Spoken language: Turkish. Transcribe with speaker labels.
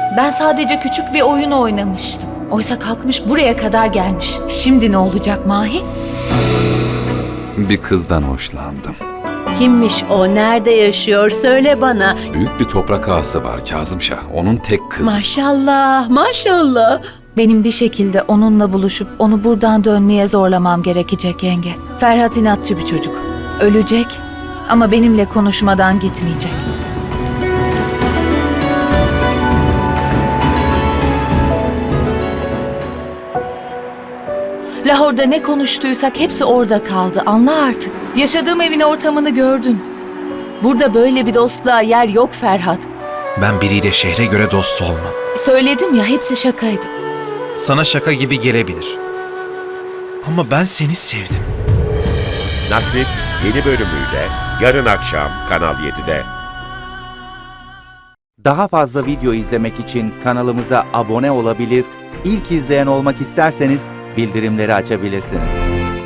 Speaker 1: Ben sadece küçük bir oyun oynamıştım. Oysa kalkmış buraya kadar gelmiş. Şimdi ne olacak Mahi?
Speaker 2: Bir kızdan hoşlandım.
Speaker 3: Kimmiş o? Nerede yaşıyor? Söyle bana.
Speaker 2: Büyük bir toprak ağası var Kazımşah. Onun tek kızı.
Speaker 3: Maşallah, maşallah.
Speaker 1: Benim bir şekilde onunla buluşup onu buradan dönmeye zorlamam gerekecek yenge. Ferhat inatçı bir çocuk. Ölecek ama benimle konuşmadan gitmeyecek. Lahor'da ne konuştuysak hepsi orada kaldı. Anla artık. Yaşadığım evin ortamını gördün. Burada böyle bir dostluğa yer yok Ferhat.
Speaker 4: Ben biriyle şehre göre dost olmam.
Speaker 1: Söyledim ya, hepsi şakaydı.
Speaker 4: Sana şaka gibi gelebilir. Ama ben seni sevdim.
Speaker 5: Nasip yeni bölümüyle yarın akşam Kanal 7'de.
Speaker 6: Daha fazla video izlemek için kanalımıza abone olabilir, ilk izleyen olmak isterseniz bildirimleri açabilirsiniz.